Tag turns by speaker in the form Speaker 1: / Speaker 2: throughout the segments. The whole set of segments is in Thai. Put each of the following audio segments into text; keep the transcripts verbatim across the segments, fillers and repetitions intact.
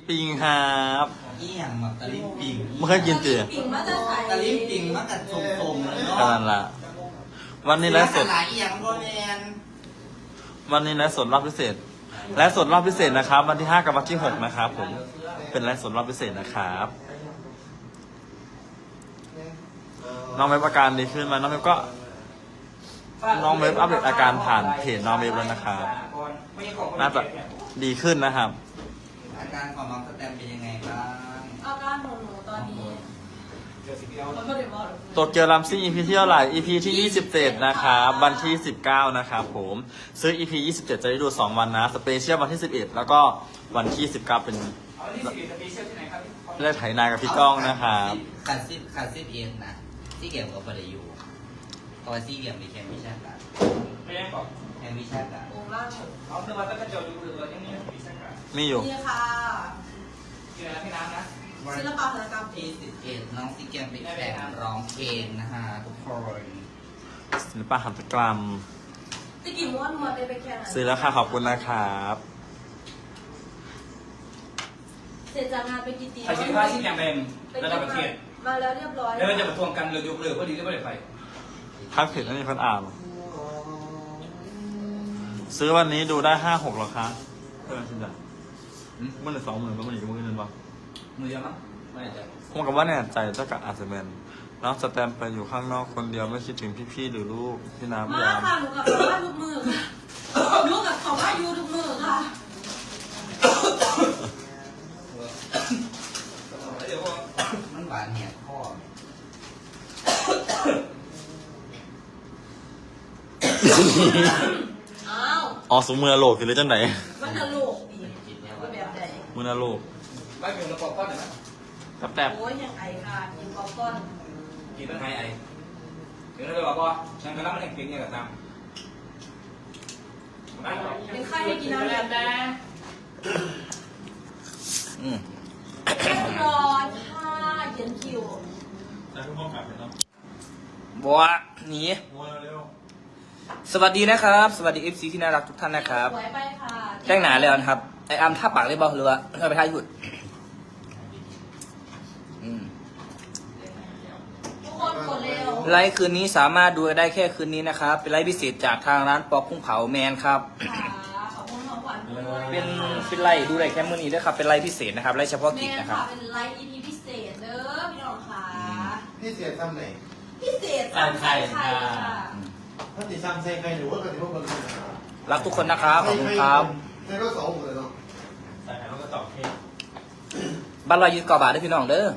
Speaker 1: ปิงครับ
Speaker 2: อีหยังแบบตะลิมปิง
Speaker 1: ไม่เคยกินเตี๋ย
Speaker 3: ปิ่งมาจะใส่
Speaker 2: ตะลิมปิงมันกัดทรงๆเลยเนาะ
Speaker 1: ขนาดละวันนี้ไลฟ์สด
Speaker 2: หลายอีหยังบ่แม่น
Speaker 1: วันนี้ไลฟ์สดรอบพิเศษไลฟ์สดรอบพิเศษนะครับ วันที่ห้ากับวันที่หกนะครับผมเป็นไลฟ์สดรอบพิเศษนะครับน้องเว็บอาการดีขึ้นไหมาน้องเว็บก็น้องเว็บอัปเดตอาการผ่านเพจน้องเว็บแล้วนะครับน่าจะดีขึ้นนะครับ
Speaker 2: อาการของน้องสแตมเป็นยังไงบ้าง
Speaker 3: อาการของหนูตอนนี้มันก็เดี๋ยวบอก
Speaker 1: โตเกียวรัมซิ่ง อี พี ที่เท่าไหร่ อี พี ที่ยี่สิบเจ็ดนะครับวันที่สิบเก้านะครับผมซื้อ อี พี ยี่สิบเจ็ดจะได้ดูสองวันนะสเปเชียลวันที่สิบเอ็ดแล้วก็วันที่สิบเก้าเป็นได้ไถนากับพี่ก้องนะครับ
Speaker 2: ขาดซิบขาดซิบเอ็นนะที่เกี่ยวกับประโยชน์เพราะว่าที่เกี่ยวกับแคมวิชาการ
Speaker 4: ไม่ได้บอก
Speaker 2: แคมวิชาการ
Speaker 3: โอ้ล่าง
Speaker 4: เอาเสื้อมาตั้งกระจกดูดูเรายังมีวิชาการ
Speaker 1: มีอยู่
Speaker 3: นี่ค่ะ
Speaker 4: ที่ไหนพี่น้ำนะ
Speaker 3: ศิลปะหัตถกรรม
Speaker 2: ที่สิบเอ็ดน้องซีเกมไปแข่งร้องเพลงนะฮะทุกคน
Speaker 1: ศิลปะหัตถกรรม
Speaker 3: ตะกี้ม้วนม้วนไปไปแค่ไหน
Speaker 1: ซื้อแล้วค่ะขอบคุณนะครับ
Speaker 3: เสร็จจากงานไปกี่ตี
Speaker 4: ใครคิดว่าที่แข่งเป็นระดับประเทศ
Speaker 3: มาแล้วเรียบร้อย
Speaker 4: แล้วเราจะมาทวงกันเลยยกเลิกพอดีก็ไม่ได้ไป
Speaker 1: ทักเพจนั่นมีคนอ่านซื้อวันนี้ดูได้ห้าหกหรอคะเพื่อนชินจ้ะเมื่อไหร่สองหมื่นก็มันอีกมื่นนึงปะ
Speaker 2: มือเยอะมั้งไม่แน่ใจ
Speaker 1: ผมกับว่าเนี่ยใจเจ้ากับอาจจะเป็นน้องสแตมไปอยู่ข้างนอกคนเดียวไม่คิดถึงพี่ๆหรือลูกพี่น้ำ
Speaker 3: มาย
Speaker 1: าม
Speaker 3: ค่ะหนูกับเขาว่าทุกมือค่ะหนูกับเขาว่ายูทุกมือค่ะ
Speaker 2: มันหวานแหกข้อ
Speaker 3: อ้าว
Speaker 1: อ๋อสมมือโลกคือเรื่องจังไหน
Speaker 3: มันจะโลกดีแบบไหน
Speaker 1: มือโลก
Speaker 4: ไม่เป็นระบบก้อนเลยนะ
Speaker 1: แป๊บแตบ
Speaker 3: โอ้ยยังไอค่ะกินป๊อปคอร์น
Speaker 4: กินเป็นไงไอเดี๋ยวเราไปบอกว่าฉันก็รับมันแข่งเก่งเนี่ยกับตาม
Speaker 3: เป็นไข้ให้กินน้ำแบบแดง
Speaker 2: อืม
Speaker 3: ร้อนค่ะเย็นคิว
Speaker 1: แล้วทุกคนกลับไปเนาะ
Speaker 2: บัวหนี
Speaker 1: มัวเร็ว
Speaker 2: สวัสดีนะครับ สวัสดีเอฟซีที่น่ารักทุกท่านนะครับ
Speaker 3: สวยไปค่ะ
Speaker 2: แจ้งหนาแล้วนะครับไออัมท่าปากเลยบอหรือว่าเราไปท่าหยุดอืม
Speaker 3: ทุกคนกดเร็ว
Speaker 2: ไลฟ์คืนนี้สามารถดูได้แค่คืนนี้นะครับเป็นไลฟ์พิเศษจากทางร้านปอกกุ้งเผาแมนครับ
Speaker 3: ค่ะขอบคุณของขวัญด้วย
Speaker 2: เป็นเป็นไลฟ์ดูได้แค่มื้อนี้ด้วยครับเป็นไลฟ์พิเศษนะครับไลฟ์เฉพาะกิจ
Speaker 3: แม่
Speaker 2: นะครับ
Speaker 3: ค่ะเป็นไลฟ์ อี พี พิเศษเด้อพี่น้องค่ะ
Speaker 5: พี่เสียซ้ำไหน
Speaker 3: พิเศษสั่งไข่ค่ะ
Speaker 5: ถ้าติดซ้ำใส่ใครหรือว่าก็ถือว่าเบอร์
Speaker 2: รักทุกคนนะครับขอบคุณครับ
Speaker 5: ใครก็สองหมดเลยเนาะ
Speaker 1: ใส่ไข่แล้วก็ตอกเค้ก
Speaker 2: บ้านเรายืดกว่าบาทด้วยพี่น้องเด้อ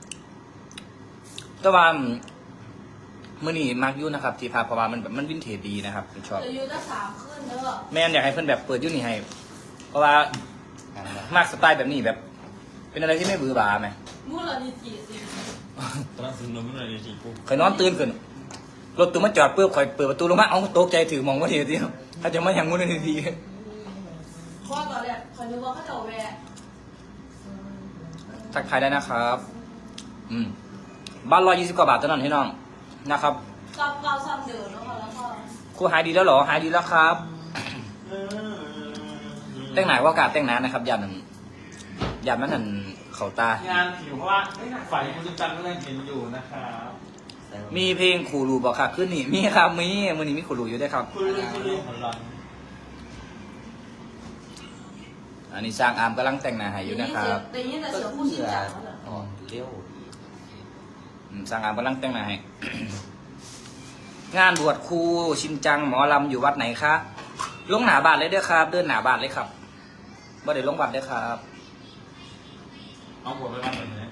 Speaker 2: แต่ว่ามื้อนี้มากอยุ่นะครับ ที่พาเพราะว่ามันแบบมันวินเทจดีนะครับผมชอบ
Speaker 3: จะอยู่ตั้งสามขึ้นเด้อ
Speaker 2: แม่นอยากให้เพื่อนแบบเปิดอยุ่นี่ให้ เพราะว่ามากสไตล์แบบนี้แบบ เป็นอะไรที่ไม่บือหบาไหม
Speaker 3: มูลนิธิสิ
Speaker 1: ตอนนั้นซื้อนมไม่หน่อยดีทีกู
Speaker 2: เคยนอนตื่นขึ้นรถตู้มาจอดปุ๊บคอยเปิดประตูลงมาเอ้าตกใจถือมองว่าทีเดียวถ้าจะมาอย่างงู้นทีที
Speaker 3: เพราะว่าตอนแรกคอยนึกว่าเขาจะเอาแวะ
Speaker 2: ทักทายได้นะครับ อืมบ้านร้อยยี่สิบกว่าบาทเท่านั้นให้น้องนะครับ
Speaker 3: กลับเก่าซ้ำเดิมแล้วค่ะแล้วก็
Speaker 2: ครูหายดีแล้วเหรอหายดีแล้วครับ แต่งหนาว่ากาดแต่งหนานะครับยามนั้นยามนั้นนั่นเขาตา
Speaker 1: งานผิวเพราะว่าฝ่ายคุณจุจันก็ยังเห็นอยู่นะครับ
Speaker 2: มีเพลงขูรูบอกค่ะขึ้นนี่มีครับมีมือนี้มีขูรูอยู่ด้วยครับ
Speaker 1: คุยเรื่องคุยเรื่องของเรา
Speaker 2: อันนี้สร้างอาร์มกำลังแต่งหน้าให้อยู่นะครับ
Speaker 3: แต่ยิ่งแต่เสือผู้ชินจังแล้วเหรอ
Speaker 2: อ๋อเร็วอืมสร้างอาร์มกำลังแต่งหน้าให้ งานบวชครูชินจังหมอลำอยู่วัดไหนคะลงหนาบาทเลยเด้อครับ เดินหนาบาทเลยครับบ่ได้ลงบัตรเด้อครับ
Speaker 1: เอาหัวไปวางแบบนี้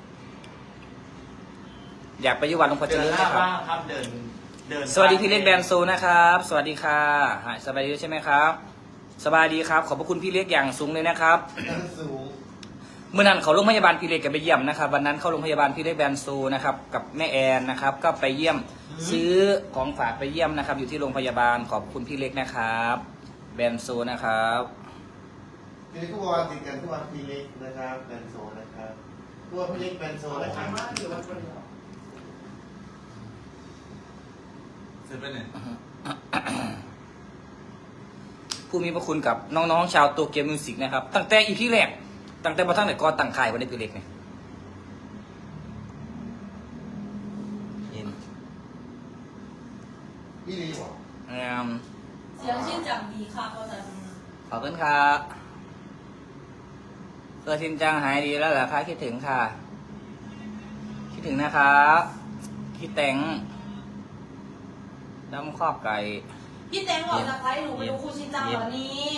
Speaker 2: อยากไปอยู่วัดหลวงพ่อเจ
Speaker 1: เดิน
Speaker 2: ริญ
Speaker 1: หน้า
Speaker 2: นะครับ
Speaker 1: บ้างครับเดินเดิน
Speaker 2: สวัสดีพี่เล็กแบรนด์โซนะครับ สวัสดีค่ะหายสบายดีใช่ไหมครับ สบายดีครับ ขอบพระคุณพี่เล็กอย่างสูงเลยนะครับ
Speaker 5: นั่นสูง
Speaker 2: เมื่อนั้นเขาโรงพยาบาลพี่เล็กกันไปเยี่ยมนะครับวันนั้นเข้าโรงพยาบาลพี่เล็กแบรนด์โซนะครับกับแม่แอนนะครับ ก็ไปเยี่ยมซื้อของฝากไปเยี่ยมนะครับ อยู่ที่โรงพยาบาลขอบคุณพี่เล็กนะครับแบรนด์โซนะครับ
Speaker 5: ทีนี้ก็วางติดกันทุกวันพีเล็กนะครับแบนโซนะครับตัวพีเล็กแบนโซนะครับ
Speaker 1: เสร็จไปเนี่ย
Speaker 2: ผู้มีพระคุณกับน้องๆชาวโตเกียวมิวสิกนะครับตั้งแต่อีพีแรกตั้งแต่มาทั้งไหนก็ตั้งค่ายวันนี้พี่เล็กเนี่ย
Speaker 1: ยิน
Speaker 5: พี่ลีบอก
Speaker 2: อืม
Speaker 3: เสียงชื่นจังดีค่ะก็จะ
Speaker 2: ขอบคุณครับเพื่อชินจังหายดีแล้วเหรอคะคิดถึงค่ะ คิดถึงนะครับคิดแตงน้ำครอบไก่
Speaker 3: พี่แตงบอกจากไลฟ์หนูไปดูครูชินจังวันนี้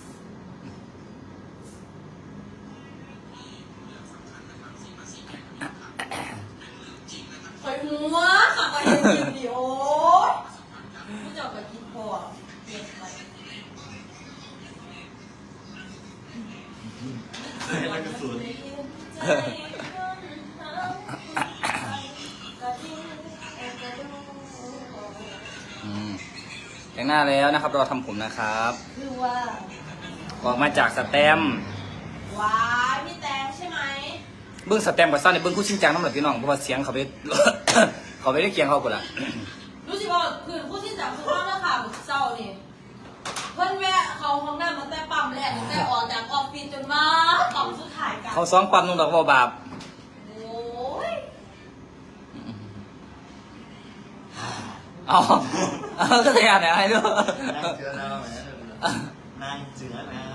Speaker 3: คอยหัวขับไปเห็นคลิปดิโอ้ยผู้เจ้ากับคิดพอเปลี่ยนไป
Speaker 1: แล้วก็ศูนย์
Speaker 2: อืมแต่งหน้าแล้วนะครับรอทำผมนะครับ
Speaker 3: คือว่า
Speaker 2: ออกมาจากสแตมป์
Speaker 3: ว้ายพี่แตงใช่ไหม
Speaker 2: เบื้องสแตมป์กับซ่อนในเบื้องคู่ชิงจังน้ำหนักพี่น้องเพราะว่าเสียงเขาไป เขาไม่ได้เคียงเขากูละ
Speaker 3: รู้สึกว่าคือผู้ที่จับคือว่าเมื่อข่าวเศร้านี่เพื่อนแวะเขาห้องน้ำมาแต่ปั๊มแรกตั้งแต่ออกจากออฟฟิศจนมาปั๊มสุดท้ายกัน
Speaker 2: เขาซ้อมปั๊มนุ่งดอกบัวบาป
Speaker 3: โอ้ย
Speaker 2: เอาเอาก็จะอ่านอะไรด้วย
Speaker 1: นั่งเจือหน้าแหมนั่งเจือหน้า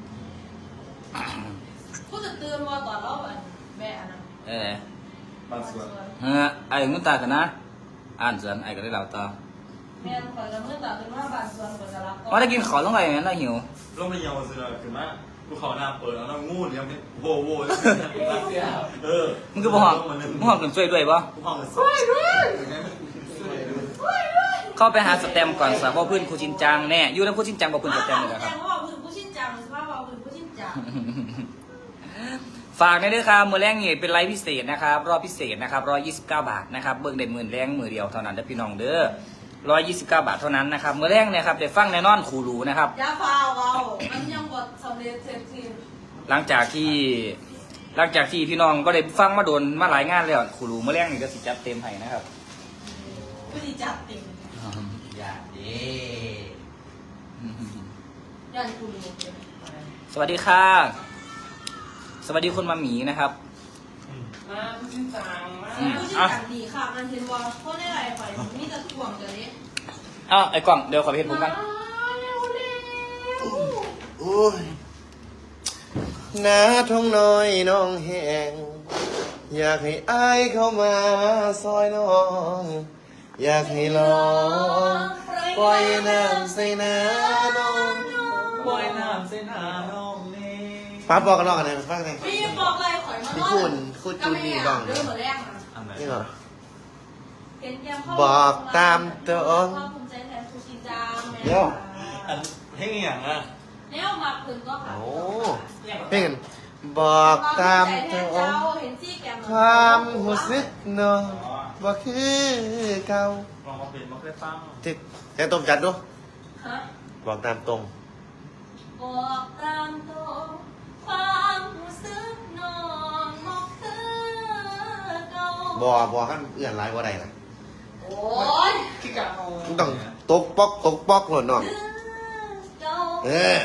Speaker 3: ผู้จะเตือนว่าตอนเราอันแม่อันนั้น
Speaker 2: เออบ
Speaker 1: างส่วน
Speaker 2: เฮ้ยไอ้เงินตากันนะ อ่านสวนไอ้ก็ได้เล่าต่อ
Speaker 3: แม่คอยจะเมื่อตาเป็นว่าบานส่วนคนจะรับ
Speaker 2: ว่าได้กินขอลงไปอย่างนั้นเราหิว
Speaker 1: ลงไปเยาวเสือคือว่าภูเขาหน้าเปิดแล้วเรางูเลี้ยงเป็นโวโวเออ
Speaker 2: มึงก็บอกมึงหอมกันช่วยด้วยปะ
Speaker 1: ภูเขาสวยด้วย
Speaker 2: เข้าไปหาสแตมป์ก่อนสาวพ่อพื้นครูชินจังแน่อยู่ในครูชินจังบอกพื้นสแตมป์เลย
Speaker 3: แต
Speaker 2: ครับ
Speaker 3: งว่าพื้นผู้ชินจังสภาพว่าพื้นผู้ชินจัง
Speaker 2: ฝากในเด้อครับมือแรงนี่เป็นไลฟ์พิเศษนะครับรอบพิเศษนะครับร้อยยี่สิบเก้าบาทนะครับเบิ่งได้หมื่นแรงมือเดียวเท่านั้นเด้อพี่น้องเด้อร้อยยี่สิบเก้าบาทเท่านั้นนะครับมือแรงเนี่ยครับได้ฟังแน่นอนครูรู้นะครับ
Speaker 3: ยาฟาวเอามันยังบดสำเร็จเสร็จสิ้น
Speaker 2: หลังจากที่หลังจากที่พี่น้องก็ได้ฟังมาโดนมาหลายงานแล้วครูรู้มือแรงนี่ก็สิจัดเต็มให้นะครับ
Speaker 3: ผู้ที่จับติ่ง
Speaker 2: อย่าเด้
Speaker 3: ยันกูรู้
Speaker 2: สวัสดีค่ะสวัสดีคุณมาหมีนะครับ
Speaker 4: มาผู้ชินจังมา
Speaker 2: อืม
Speaker 3: ผู้ชินจังดีค่ะมันเห็นว่าเขาได้อะไรไปมีแต่ถ่วงเดี๋ยวนี้
Speaker 2: อ้าวไอ้กล่องเดี๋ยวขอไปเห็นผมกัน
Speaker 5: โอ้ยนาท้องน้อยน้องแห้งอยากให้อายเข้ามาซอยน้อง อยากให้ลองปล่อยน้ำใส่หน้าน้อง
Speaker 1: ปล่อยน้ำเส้นหาน้องเน่
Speaker 5: ป้าบอกกันลองกันเลยฟังเลย
Speaker 3: พี่บอกอะไรข่อยมา
Speaker 5: พี่คุณคุณจูนนี่บ้าง
Speaker 3: เรื่องเหมือนแรกนะ
Speaker 1: อันไหน
Speaker 5: นี่เหรอ
Speaker 3: เห็นแกมเข้า
Speaker 5: บอกตามตรง
Speaker 3: ภาคภูมิใจแทนครูชินจังแม่
Speaker 5: เดี๋ยว
Speaker 1: อันเพ่งอย่างอ่ะ
Speaker 3: แนวมาคืนก็ค่ะ
Speaker 5: โอ้เพ่งบอกตามตรง
Speaker 3: เห็นซี่แกม
Speaker 5: ความรู้สึกน้องบ่คือเก่า
Speaker 1: ลองมาเป็นมาเคยฟัง
Speaker 5: ติดแค่ต้มจัดดู
Speaker 3: ฮะ
Speaker 5: บอกตามตรง
Speaker 3: บอกตามตรงความรู้สึกน้องบอกคือเก่า
Speaker 5: บอกบอกกันเอื้อนไรว่าใดล่ะ
Speaker 3: โอ้ย
Speaker 4: ขี้กะเอา
Speaker 5: มันต้องตกปอกตกปอกหล่นน้อง
Speaker 3: คือเก่า
Speaker 5: เออ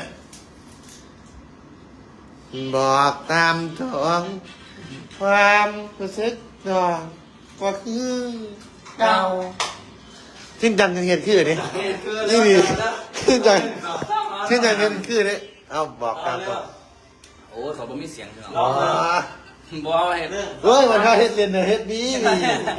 Speaker 5: บอกตามตรงความรู้สึกน้องบ่คือเก่าชิ้นจังเห็นคือนี่นี่ดีชิ้นจังชิ้นจังเห็นคือนี่เอาบอกตามตรง
Speaker 2: โอ้ยเขาบ่มีเสียงพี่น้อง
Speaker 5: อ๋อ
Speaker 2: บ่เอาเห็น
Speaker 5: เฮ้ยมันเขาเฮ็ดเรียนเนอะเฮ็ดดีนี่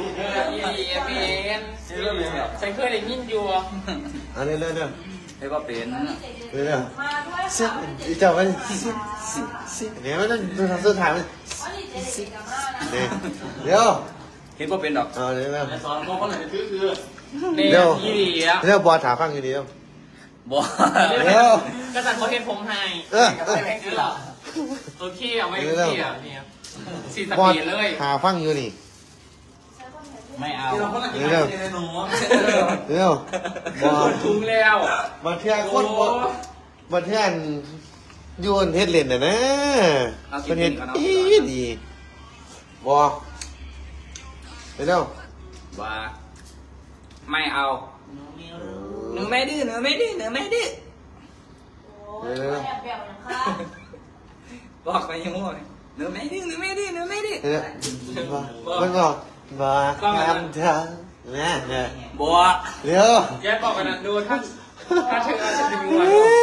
Speaker 4: ฉันเคยได้ยินอยู่
Speaker 5: อันนี้เรื่อยเรื่อย
Speaker 2: เฮ้ยว่าเป็น
Speaker 5: เรื่อยเรื่อย
Speaker 3: มาด้วย
Speaker 5: เสีย
Speaker 3: ค่ะ
Speaker 5: อีเจ้ามันสิสิสิเดี๋ยวมันต้องดูทางสุดท้ายมัน
Speaker 3: วันนี้เจ๊เด็กกับมานะ
Speaker 5: เนี่ยเดี๋ยว
Speaker 2: เห็นว่าเป็นดอก
Speaker 5: เอาเดี๋ยวเดี๋ยว
Speaker 1: ไอสอนพวกคนไหนคือคือ
Speaker 4: เนี่ย
Speaker 5: เดี๋ยว
Speaker 4: ยี่ดีอ่ะ
Speaker 5: เดี๋ยวบอลถามฟังอยู่ดีเดี๋ยว
Speaker 2: บ่
Speaker 5: เดี๋ยว
Speaker 4: กระสันเขาเห็นผมให้
Speaker 5: เออเออ
Speaker 4: คือเหรอโอเคเอาไว้โอเคอ่ะเนี่ยสี่ส
Speaker 5: บอล
Speaker 4: ปีดเลย
Speaker 5: หาฟังอยู่นี่
Speaker 2: ไม่เอา
Speaker 1: ที่เราคนไหนที่ไหนในหนู
Speaker 5: เดี๋ยวบอล
Speaker 4: ถุงแล้ว
Speaker 5: มาเที่ยงคนบอลมาเที่ยงโยนเฮ็ดเล่นน่ะนะเป็นเฮ็ดดีดีบอลเดี๋ยว
Speaker 2: ว่าไม่เอาหนูไม่ดื้อหนูไม่ดื้อหนูไม่ดื้อ
Speaker 3: โอ้ยแอบแบวนะคะ
Speaker 2: วบอกไปยังมั่วหนูไม่ดื้อหนูไม่ดื้อหนูไม่ดื้อ
Speaker 5: เออมันบอกบอกตามทางนะเนี่ย
Speaker 2: บัว
Speaker 5: เร็ว
Speaker 4: แกบอกกันนะดูถ้าถ้าเธอจะถึง
Speaker 5: โอ้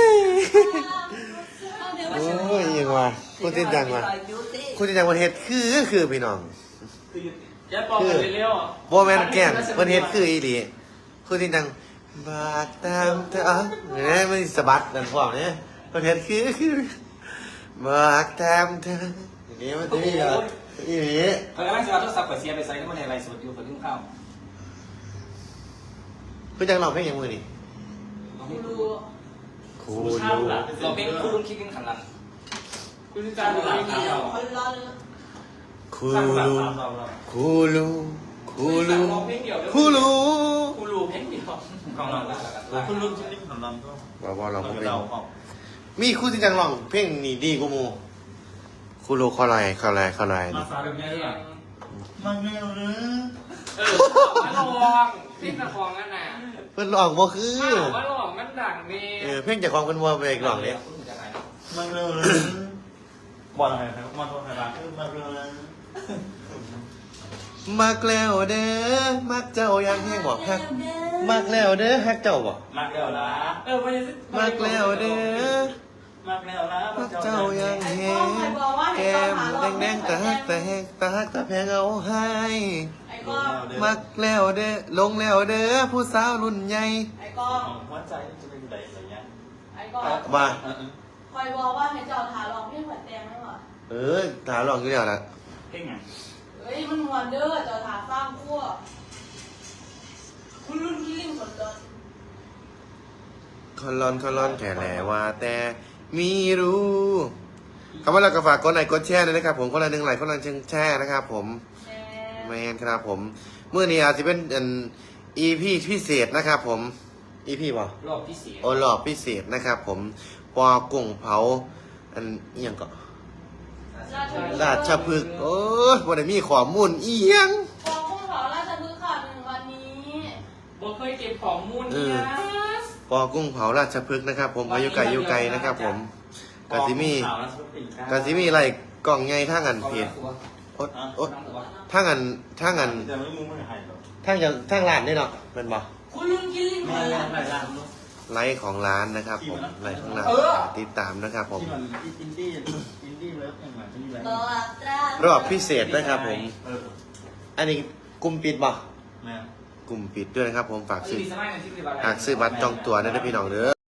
Speaker 4: วัน
Speaker 5: ยยังวะคุณจริงจังวะคุณจริงจังประเทศคือคือพี่น้อง
Speaker 4: แกบอกกันเร็ว
Speaker 5: โบแมนแกนประเทศคืออีหลีคุณจริงจังบากตามเธอเนี่ยมันสะบัดนั่นพวกเนี่ยประเทศคือคือบากตามเธออย่างนี้มันจะมีเหรออีหลี
Speaker 2: เฮ้ยไม่ใช่ว่าโทรศัพท์เปิดเสียไปใส่แล้วมันในไลฟ์สดอยู่เปิดเรื่องข้าว
Speaker 5: คุณจังร้องเพลงยังมือนี่
Speaker 3: กูรู้
Speaker 5: คู
Speaker 4: ๆ
Speaker 5: ลู
Speaker 2: เราเป็นคู่รุ่นคิดกันขันหลัง
Speaker 4: คุณจะจ้างหรือไม่เกี่ยว
Speaker 3: คนร้อน
Speaker 5: คู
Speaker 4: สร้างสรร
Speaker 5: ลู
Speaker 4: ค์ตามเรา
Speaker 5: คูลูคูลู
Speaker 4: เพลงเดียว
Speaker 5: คูลู
Speaker 4: คูรูเพลงเดียวของเราคุณลุงชิ้นนี้ของเราก็
Speaker 5: ว่าว่าเรา
Speaker 4: เรา
Speaker 5: เพลง
Speaker 4: เราออก
Speaker 5: มีคุณจริงจังร้องเพลงนี่ดีกูมูคูลูคอลายคอลายคอลาย
Speaker 4: มา
Speaker 5: นี่
Speaker 4: สาแบบนี้หรือเปล่า
Speaker 1: มันไม่หรือ
Speaker 4: เออมาลองพี่ตะคองนั่นน่ะ
Speaker 5: เพิ่นร้องบ่คือ
Speaker 4: มาลองมันดังนี่
Speaker 5: เออเพลงจากของเพิ่นว่าไปร้องเนี่ย
Speaker 1: มันเร็วเลยบอลอะไรครับมาตัวไหนบ้างมันเร็วเลย
Speaker 5: มักแล้วเด้อมักเจ้ายังแห้งบอกฮักมักแล้วเด้อฮักเจ้าบ่
Speaker 1: มากแล้วนะ
Speaker 4: เออมันจะ
Speaker 5: มักแล้วเด้อ
Speaker 1: มากแล้วนะ
Speaker 5: มักเจ้ายังแห้งแก้มแดงๆตาฮักตาแหกตาฮักตาแพงเอาให้
Speaker 3: ไอ้ก้อง
Speaker 5: มักแล้วเด้อลงแล้วเด้อผู้สาวรุ่นใหญ่
Speaker 3: ไอ้ก้อง
Speaker 1: หัวใจจะเป็นอะไรอย่างเงี้ย
Speaker 3: ไอ้ก้อง
Speaker 5: ว่า
Speaker 3: คอยบอกว่าให้เจ้าถาลองเพลงหัวแดงไหมวะ
Speaker 5: เออถามร้องอยู่แล้วล่ะ
Speaker 4: เพลงไง
Speaker 3: เฮ้ยมันมวนเด้อเจ้าถาสร้างขั้วคุณรุ่นที่ลิงคนร้อน
Speaker 5: คอนลอนคอนลอนแค่แหละว่าแต่มีรู้คำว่าเราก็ฝากกดไลค์กดแชร์ด้วยนะครับผมคนละหนึ่งไลค์คนละหนึ่งแชร์นะครับผม
Speaker 3: แช
Speaker 5: แม
Speaker 3: ร์
Speaker 5: นครับผมเมื่อนี้อาจจะเป็นอันอีพีพิเศษนะครับผมอีพีป่ะ
Speaker 2: รอบพิเศษ
Speaker 5: โอรอบพิเศษนะครับผมปอกุ้งเผาอันเอียงก็ราชพฤกษ์โอ้ยวันนี้มีข้อมูลเอียง
Speaker 3: กองพุ่งเผาราชพฤกษ์ค่ะหนึ่งวันนี้
Speaker 4: บอกเคยเก็บของมูลเนี่ย
Speaker 5: ปอกุ้งเผาราชพฤกษ์นะครับ ผมอายุไกลอายุไกลนะครับผมกาซิมีกาซิมีอะไรกล่องใหญ่ท่างันเพจโอ๊ตโอ๊ตท่างันท่างัน
Speaker 1: แต่ไม่มึงไม่หายหรอก
Speaker 5: ท่างยังท่างร้านนี่เนาะเป็นบ่
Speaker 3: คุณรุ่นที่ลิงค
Speaker 1: ไม่
Speaker 3: นร้อน
Speaker 1: ไม่ร้าน
Speaker 5: ไลฟ์ของร้านนะครับผมไลฟ์ของร้านติดตามนะครับผม
Speaker 1: ที่มันอินดี้อินดี้เลิฟอย่างไรที่ไร
Speaker 3: บอกตราร
Speaker 5: อบพิเศษนะครับผม
Speaker 1: เออ
Speaker 5: อันนี้กลุ่มปิดบ่
Speaker 1: แม่
Speaker 5: กลุ่มปิดด้วยนะครับผมฝากซื้อ
Speaker 2: มีสมัยนั้นที่คืออะไร
Speaker 5: หากซื้อบัตรจองตั๋วได้นะพี่น้องเด้อ